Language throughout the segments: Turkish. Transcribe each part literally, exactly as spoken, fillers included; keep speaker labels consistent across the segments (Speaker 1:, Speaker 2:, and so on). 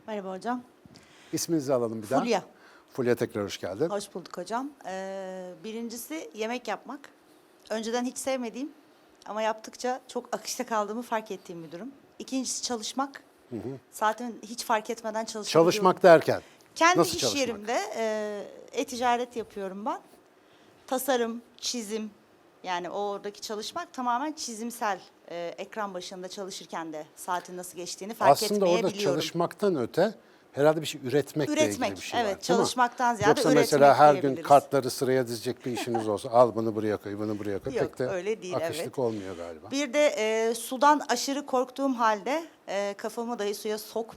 Speaker 1: Merhaba hocam.
Speaker 2: İsminizi alalım bir daha.
Speaker 1: Fulya.
Speaker 2: Fulya, tekrar hoş geldin.
Speaker 1: Hoş bulduk hocam. Ee, birincisi yemek yapmak. Önceden hiç sevmediğim ama yaptıkça çok akışta kaldığımı fark ettiğim bir durum. İkincisi çalışmak. Hı hı. Zaten hiç fark etmeden çalışabiliyorum.
Speaker 2: Çalışmak derken?
Speaker 1: Kendi
Speaker 2: nasıl
Speaker 1: iş
Speaker 2: çalışmak?
Speaker 1: yerimde e, e-ticaret yapıyorum ben. Tasarım, çizim, yani oradaki çalışmak tamamen çizimsel. E, ekran başında çalışırken de saatin nasıl geçtiğini fark
Speaker 2: Aslında
Speaker 1: etmeyebiliyorum.
Speaker 2: orada çalışmaktan öte herhalde bir şey üretmekle
Speaker 1: Üretmek,
Speaker 2: ilgili bir şey
Speaker 1: evet,
Speaker 2: var, değil mi?
Speaker 1: çalışmaktan ziyade
Speaker 2: Yoksa
Speaker 1: üretmek
Speaker 2: mesela her gün
Speaker 1: diyebiliriz.
Speaker 2: kartları sıraya dizecek bir işiniz olsa al bunu buraya koy, bunu buraya koy.
Speaker 1: Yok,
Speaker 2: Pek de
Speaker 1: öyle değil,
Speaker 2: akışlık
Speaker 1: evet.
Speaker 2: olmuyor galiba.
Speaker 1: Bir de e, sudan aşırı korktuğum halde e, kafamı dahi suya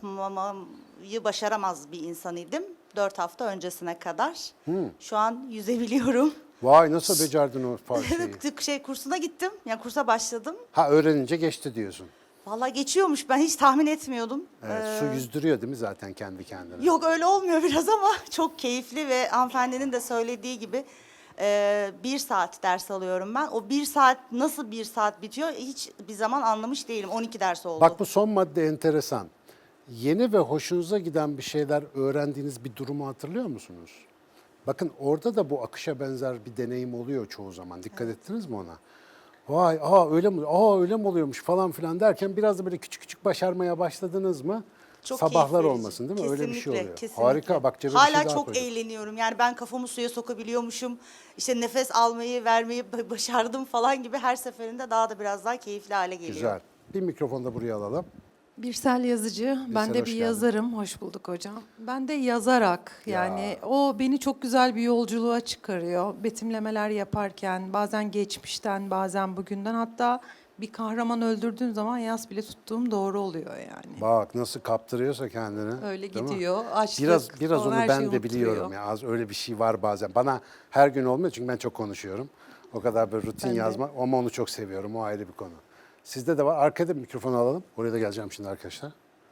Speaker 1: sokmamayı başaramaz bir insanıydım. Dört hafta öncesine kadar. Şu an yüzebiliyorum.
Speaker 2: Vay, nasıl becerdin o fa- şeyi?
Speaker 1: şey kursuna gittim. Yani kursa başladım.
Speaker 2: Ha, öğrenince geçti diyorsun.
Speaker 1: Vallahi geçiyormuş. Ben hiç tahmin etmiyordum.
Speaker 2: Evet,
Speaker 1: Ee,
Speaker 2: su yüzdürüyor değil mi zaten kendi kendine?
Speaker 1: Yok, öyle olmuyor biraz ama çok keyifli ve hanımefendinin de söylediği gibi e, bir saat ders alıyorum ben. O bir saat nasıl bir saat bitiyor hiç bir zaman anlamış değilim. on iki ders oldu.
Speaker 2: Bak, bu son madde enteresan. Yeni ve hoşunuza giden bir şeyler öğrendiğiniz bir durumu hatırlıyor musunuz? Bakın, orada da bu akışa benzer bir deneyim oluyor çoğu zaman. Dikkat evet. ettiniz mi ona? Vay, aa öyle mi? Aa öyle mi oluyormuş falan filan derken biraz da böyle küçük küçük başarmaya başladınız mı?
Speaker 1: Çok
Speaker 2: Sabahlar
Speaker 1: keyif verici.
Speaker 2: olmasın değil mi?
Speaker 1: Kesinlikle,
Speaker 2: öyle bir şey oluyor.
Speaker 1: kesinlikle.
Speaker 2: Harika, bak cebe bir
Speaker 1: Hala
Speaker 2: şey daha
Speaker 1: çok
Speaker 2: koyduk.
Speaker 1: eğleniyorum. Yani ben kafamı suya sokabiliyormuşum. İşte nefes almayı, vermeyi ba- başardım falan gibi her seferinde daha da biraz daha keyifli hale geliyor.
Speaker 2: Güzel. Bir mikrofonu da buraya alalım.
Speaker 3: Birsel yazıcı. Ben de
Speaker 2: hoş
Speaker 3: bir
Speaker 2: geldin.
Speaker 3: yazarım. Hoş bulduk hocam. Ben de yazarak,
Speaker 2: Ya.
Speaker 3: yani o beni çok güzel bir yolculuğa çıkarıyor. Betimlemeler yaparken bazen geçmişten, bazen bugünden, hatta bir kahraman öldürdüğüm zaman yas bile tuttuğum doğru oluyor yani.
Speaker 2: Bak nasıl kaptırıyorsa kendini.
Speaker 3: Öyle
Speaker 2: değil mi?
Speaker 3: gidiyor. Açlık,
Speaker 2: Biraz biraz
Speaker 3: o
Speaker 2: onu
Speaker 3: her
Speaker 2: ben
Speaker 3: şeyi
Speaker 2: de biliyorum
Speaker 3: unutturuyor.
Speaker 2: ya. Az öyle bir şey var bazen. Bana her gün olmuyor çünkü ben çok konuşuyorum. O kadar böyle rutin
Speaker 3: Ben de.
Speaker 2: yazma ama onu çok seviyorum. O ayrı bir konu. Sizde de var. Arkada bir mikrofonu alalım. Oraya da geleceğim şimdi arkadaşlar.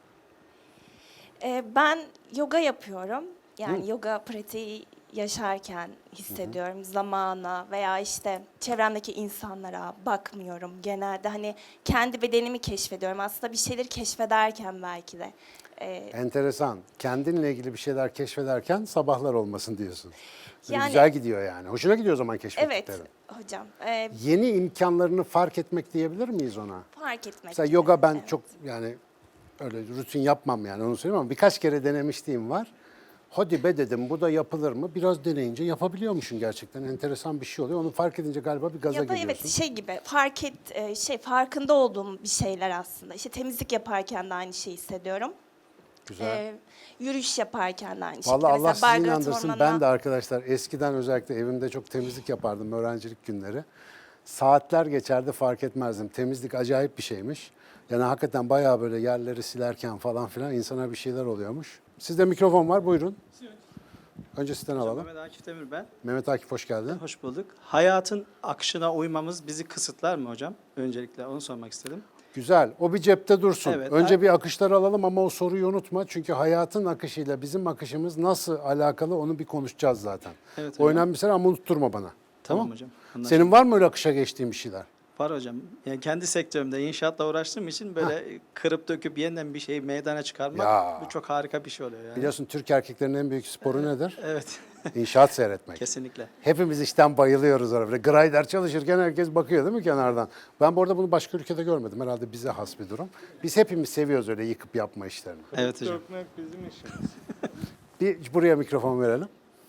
Speaker 4: Ee, ben yoga yapıyorum. Yani yoga pratiği yaşarken hissediyorum. Zamana veya işte çevremdeki insanlara bakmıyorum genelde. Hani kendi bedenimi keşfediyorum. Aslında bir şeyleri keşfederken belki de. Ee,
Speaker 2: Enteresan. Kendinle ilgili bir şeyler keşfederken sabahlar olmasın diyorsun. Böyle
Speaker 4: Yani-
Speaker 2: güzel gidiyor yani. Hoşuna gidiyor o zaman
Speaker 4: evet
Speaker 2: keşfettiklerin.
Speaker 4: hocam. Ee,
Speaker 2: Yeni imkanlarını fark etmek diyebilir miyiz ona?
Speaker 4: fark etmek.
Speaker 2: Mesela
Speaker 4: gibi.
Speaker 2: yoga ben
Speaker 4: Evet.
Speaker 2: çok yani öyle rutin yapmam yani onu söyleyeyim ama birkaç kere denemişliğim var. Hadi be dedim, bu da yapılır mı? Biraz deneyince yapabiliyormuşsun gerçekten. Enteresan bir şey oluyor. Onu fark edince galiba bir gaza
Speaker 4: Ya da
Speaker 2: geliyorsun.
Speaker 4: evet şey gibi fark et e, şey farkında olduğum bir şeyler aslında. İşte temizlik yaparken de aynı şeyi hissediyorum.
Speaker 2: Güzel.
Speaker 4: Ee, yürüyüş yaparken de aynı şekilde.
Speaker 2: Vallahi Allah
Speaker 4: Mesela
Speaker 2: sizi
Speaker 4: Belgrad
Speaker 2: inandırsın.
Speaker 4: Ormanı'na-
Speaker 2: Ben de arkadaşlar eskiden özellikle evimde çok temizlik yapardım öğrencilik günleri. Saatler geçerdi, fark etmezdim. Temizlik acayip bir şeymiş. Yani hakikaten bayağı böyle yerleri silerken falan filan insana bir şeyler oluyormuş. Sizde mikrofon var, buyurun. Önce sizden alalım.
Speaker 5: Mehmet Akif Demir ben.
Speaker 2: Mehmet Akif, hoş geldin.
Speaker 5: Hoş bulduk. Hayatın akışına uymamız bizi kısıtlar mı hocam? Öncelikle onu sormak istedim.
Speaker 2: Güzel. O bir cepte dursun.
Speaker 5: Evet,
Speaker 2: Önce
Speaker 5: ay-
Speaker 2: bir akışları alalım ama o soruyu unutma. Çünkü hayatın akışıyla bizim akışımız nasıl alakalı onu bir konuşacağız zaten.
Speaker 5: Evet
Speaker 2: O
Speaker 5: hocam.
Speaker 2: önemli bir şey ama unutturma bana.
Speaker 5: Tamam
Speaker 2: mı?
Speaker 5: hocam, anlaşıldı.
Speaker 2: Senin var mı öyle akışa geçtiğin bir şeyler?
Speaker 5: Var hocam. Yani kendi sektörümde inşaatla uğraştığım için böyle kırıp döküp yeniden bir şeyi meydana çıkarmak
Speaker 2: Ya.
Speaker 5: bu çok harika bir şey oluyor yani.
Speaker 2: Biliyorsun Türk erkeklerinin en büyük sporu nedir?
Speaker 5: Evet.
Speaker 2: İnşaat seyretmek.
Speaker 5: Kesinlikle.
Speaker 2: Hepimiz işten bayılıyoruz orada. Böyle grider çalışırken herkes bakıyor değil mi kenardan? Ben bu arada bunu başka ülkede görmedim. Herhalde bize has bir durum. Biz hepimiz seviyoruz öyle yıkıp yapma işlerini.
Speaker 5: Evet hocam.
Speaker 6: Dökmek bizim işimiz.
Speaker 2: Bir buraya mikrofon verelim.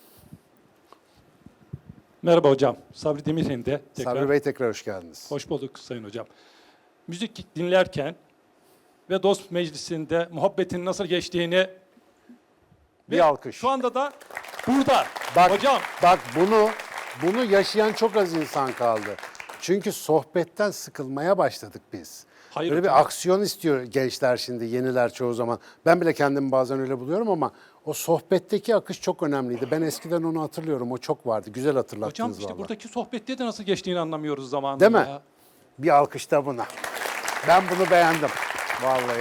Speaker 6: Merhaba hocam. Sabri Demirhen'de tekrar.
Speaker 2: Sabri Bey, tekrar hoş geldiniz.
Speaker 6: Hoş bulduk sayın hocam. Müzik dinlerken ve dost meclisinde muhabbetin nasıl geçtiğini
Speaker 2: Bir
Speaker 6: ve
Speaker 2: alkış.
Speaker 6: şu anda da burada.
Speaker 2: Bak,
Speaker 6: Hocam
Speaker 2: bak bunu bunu yaşayan çok az insan kaldı. Çünkü sohbetten sıkılmaya başladık biz.
Speaker 6: Hayır
Speaker 2: Böyle
Speaker 6: hocam.
Speaker 2: bir aksiyon istiyor gençler şimdi, yeniler çoğu zaman. Ben bile kendimi bazen öyle buluyorum ama o sohbetteki akış çok önemliydi. Ben eskiden onu hatırlıyorum. O çok vardı. Güzel hatırlattınız
Speaker 6: hocam işte
Speaker 2: vallahi.
Speaker 6: buradaki sohbette de nasıl geçtiğini anlamıyoruz zamanında.
Speaker 2: Değil mi?
Speaker 6: ya.
Speaker 2: Bir alkış da buna. Ben bunu beğendim. Vallahi.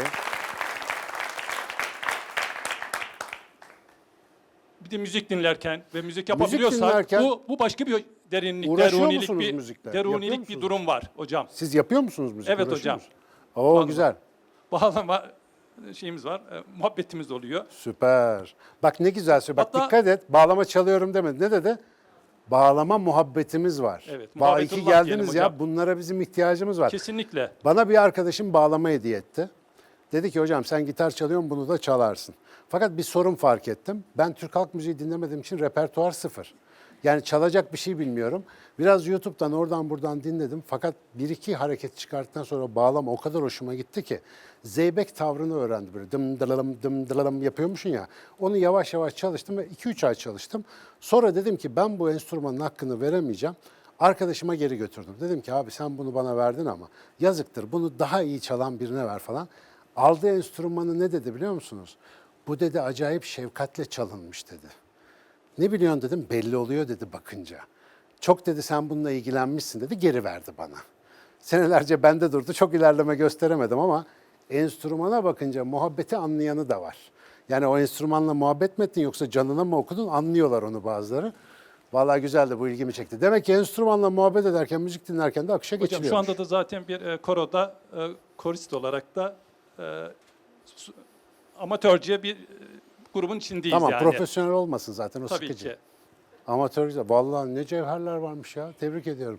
Speaker 6: Bir de müzik dinlerken ve müzik yapabiliyorsak
Speaker 2: dinlerken
Speaker 6: bu bu başka bir derinlik,
Speaker 2: uğraşıyor
Speaker 6: derunilik
Speaker 2: musunuz
Speaker 6: bir
Speaker 2: müzikle? Yapıyor
Speaker 6: derunilik bir
Speaker 2: musunuz?
Speaker 6: durum var hocam.
Speaker 2: Siz yapıyor musunuz müzik?
Speaker 6: Evet
Speaker 2: Uğraşıyor
Speaker 6: hocam.
Speaker 2: musunuz? Oo,
Speaker 6: Vallahi.
Speaker 2: güzel.
Speaker 6: Bağlama şeyimiz var, e, muhabbetimiz oluyor.
Speaker 2: Süper. Bak ne güzel söylüyor. Bak
Speaker 6: Hatta-
Speaker 2: dikkat et. Bağlama çalıyorum demedi. Ne dedi? Bağlama muhabbetimiz var.
Speaker 6: Evet,
Speaker 2: Bağ iki
Speaker 6: muhabbetullah diyelim
Speaker 2: geldiniz ya.
Speaker 6: hocam.
Speaker 2: Bunlara bizim ihtiyacımız var.
Speaker 6: Kesinlikle.
Speaker 2: Bana bir arkadaşım bağlama hediye etti. Dedi ki hocam sen gitar çalıyorsun bunu da çalarsın. Fakat bir sorun fark ettim. Ben Türk halk müziği dinlemediğim için repertuar sıfır. Yani çalacak bir şey bilmiyorum. Biraz YouTube'dan oradan buradan dinledim. Fakat bir iki hareket çıkarttıktan sonra bağlama o kadar hoşuma gitti ki. Zeybek tavrını öğrendim. Böyle dım dılalım dım dılalım yapıyormuşsun ya. Onu yavaş yavaş çalıştım ve iki üç ay çalıştım. Sonra dedim ki ben bu enstrümanın hakkını veremeyeceğim. Arkadaşıma geri götürdüm. Dedim ki abi sen bunu bana verdin ama yazıktır. Bunu daha iyi çalan birine ver falan. Aldığı enstrümanı ne dedi biliyor musunuz? Bu dedi acayip şefkatle çalınmış dedi. Ne biliyorsun dedim, belli oluyor dedi bakınca. Çok dedi sen bununla ilgilenmişsin dedi, geri verdi bana. Senelerce bende durdu, çok ilerleme gösteremedim ama enstrümana bakınca muhabbeti anlayanı da var. Yani o enstrümanla muhabbet mi ettin yoksa canına mı okudun anlıyorlar onu bazıları. Vallahi güzeldi, bu ilgimi çekti. Demek ki enstrümanla muhabbet ederken, müzik dinlerken de akışa
Speaker 6: Hocam
Speaker 2: geçiliyor.
Speaker 6: şu anda da zaten bir e, koroda e, korist olarak da e, su- amatörce bir e, grubun içindeyiz
Speaker 2: Tamam,
Speaker 6: yani.
Speaker 2: profesyonel olmasın zaten o
Speaker 6: Tabii
Speaker 2: sıkıcı.
Speaker 6: ki.
Speaker 2: Amatör güzel. Vallahi ne cevherler varmış ya. Tebrik ediyorum.